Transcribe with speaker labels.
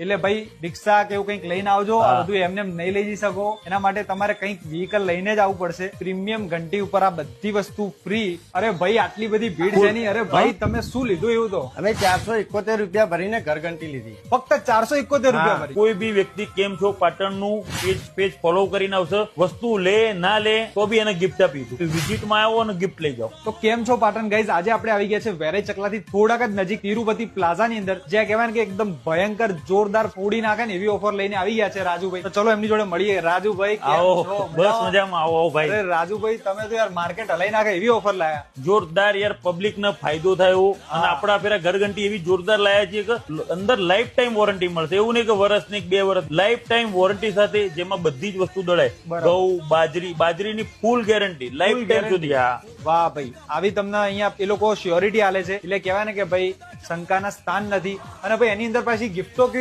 Speaker 1: એટલે ભાઈ રિક્ષા કે એવું કંઈક લઈને આવજો. આ બધું એમને નહીં લઈ જઈ શકો. એના માટે તમારે કંઈક વ્હીકલ લઈને જ આવવું પડશે. પ્રીમિયમ ઘંટી ઉપર આ બધી વસ્તુ ફ્રી. અરે ભાઈ આટલી બધી ભીડ છે નહીં. અરે ભાઈ તમે શું લીધું એવું તો?
Speaker 2: અમે 471 રૂપિયા ભરીને ઘરઘંટી લીધી.
Speaker 1: ફક્ત 471 રૂપિયા ભરી.
Speaker 3: કોઈ બી વ્યક્તિ કેમ છો પાટણનું પેજ ફોલો કરીને આવશે, વસ્તુ લે ના લે તો બી એને ગિફ્ટ આપીશું. વિઝિટમાં આવો અને ગિફ્ટ લઈ જાઓ.
Speaker 1: તો કેમ છો પાટણ ગાઈઝ? આજે આપણે આવી ગયા છે વેરાઈ ચકલાથી થોડાક જ નજીક તિરુપતિ પ્લાઝાની અંદર, જ્યાં કહેવાય ને કે એકદમ ભયંકર જોરદાર ફોડી નાખે ને એવી ઓફર લઈને આવી ગયા છે રાજુભાઈ. તો ચલો એમની જોડે મળીએ. રાજુભાઈ કેમ
Speaker 3: આવો,
Speaker 1: છો?
Speaker 3: બસ મજામાં. આવો ભાઈ.
Speaker 1: અરે રાજુભાઈ તમે તો યાર માર્કેટ હલાઈ નાખે એવી ઓફર લાયા.
Speaker 3: જોરદાર યાર, પબ્લિક ને ફાયદો થાય એવું. અને આપડા ફેરા ઘરઘંટી એવી જોરદાર લાયા છે કે અંદર લાઈફ ટાઈમ વોરંટી મળશે. એવું નહીં કે વર્ષ ની 2 વર્ષ, લાઈફ ટાઈમ વોરંટી સાથે, જેમાં બધી જ વસ્તુ દળાય. ઘઉં, બાજરીની ફૂલ ગેરંટી લાઈફ ટાઈમ સુધી.
Speaker 1: વાહ ભાઈ, આવી તમને અહીંયા એ લોકો શ્યોરિટી આલે છે. એટલે કહેવાય ને કે ભાઈ શંકાના સ્થાન નથી. અને ભાઈ એની અંદર પાછી ગિફ્ટો